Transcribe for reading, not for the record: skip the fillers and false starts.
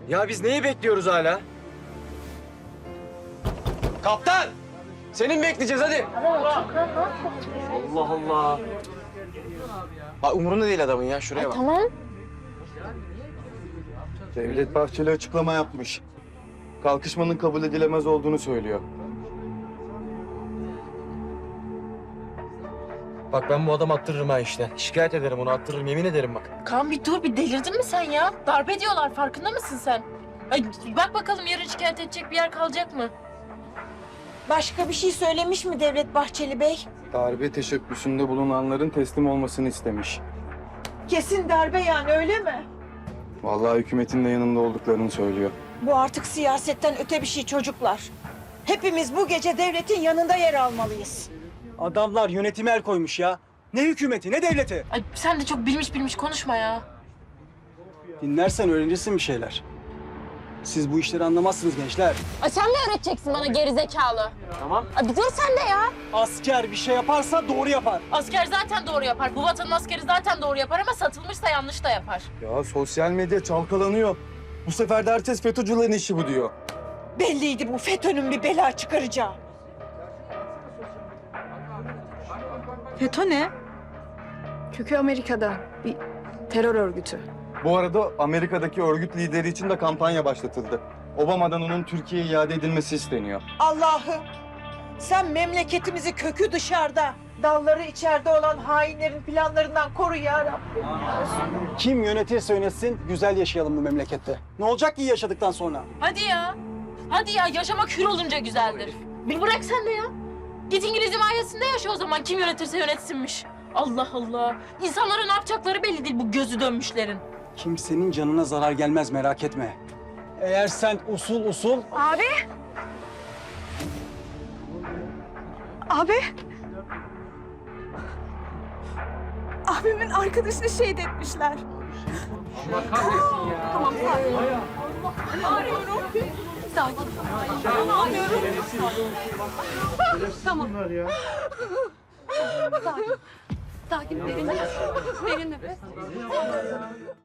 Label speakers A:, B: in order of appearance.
A: Ya biz neyi bekliyoruz hala? Kaptan! Senin bekleyeceğiz hadi. Allah Allah. Bak umurunda değil adamın ya. Şuraya bak.
B: Tamam.
C: Devlet Bahçeli açıklama yapmış. Kalkışmanın kabul edilemez olduğunu söylüyor.
A: Bak ben bu adamı attırırım ha işte. Şikayet ederim onu, attırırım, yemin ederim bak.
B: Kaan bir dur, bir delirdin mi sen ya? Darp ediyorlar, farkında mısın sen? Ay, bak bakalım yarın şikayet edecek bir yer kalacak mı?
D: Başka bir şey söylemiş mi Devlet Bahçeli Bey?
C: Darbe teşebbüsünde bulunanların teslim olmasını istemiş.
D: Kesin darbe yani, öyle mi?
C: Vallahi hükümetin de yanında olduklarını söylüyor.
D: Bu artık siyasetten öte bir şey çocuklar. Hepimiz bu gece devletin yanında yer almalıyız.
E: Adamlar yönetime el koymuş ya. Ne hükümeti, ne devleti.
B: Ay sen de çok bilmiş konuşma ya.
E: Dinlersen öğrenirsin bir şeyler. Siz bu işleri anlamazsınız gençler.
B: Ay sen mi öğreteceksin bana gerizekalı?
A: Tamam.
B: Ay bir dur sen de ya.
E: Asker bir şey yaparsa doğru yapar.
B: Asker zaten doğru yapar. Bu vatanın askeri zaten doğru yapar ama satılmışsa yanlış da yapar.
C: Ya sosyal medya çalkalanıyor. Bu sefer de herkes FETÖ'cülerin işi bu diyor.
D: Belliydi bu FETÖ'nün bir bela çıkaracağı.
F: FETÖ ne? Kökü Amerika'da bir terör örgütü.
C: Bu arada Amerika'daki örgüt lideri için de kampanya başlatıldı. Obama'dan onun Türkiye'ye iade edilmesi isteniyor.
D: Allah'ım, sen memleketimizi kökü dışarıda, dalları içeride olan hainlerin planlarından koru ya Rabbim.
E: Kim yönetirse yönetsin, güzel yaşayalım bu memlekette. Ne olacak ki yaşadıktan sonra?
B: Hadi ya. Hadi ya, yaşamak hür olunca güzeldir. Bir bırak sen de ya. Git İngiliz himayesinde yaşa o zaman, kim yönetirse yönetsinmiş. Allah Allah. İnsanlara ne yapacakları belli değil bu gözü dönmüşlerin.
E: Kimsenin canına zarar gelmez, merak etme. Eğer sen usul...
F: Abi! Abi! Abimin arkadaşını şehit etmişler. Allah kahretsin ya. Tamam, sakin. Ağrıyorum. Sakin. Ağrıyorum. Tamam. Sakin. Sakin. Derin nefes. Derin nefes.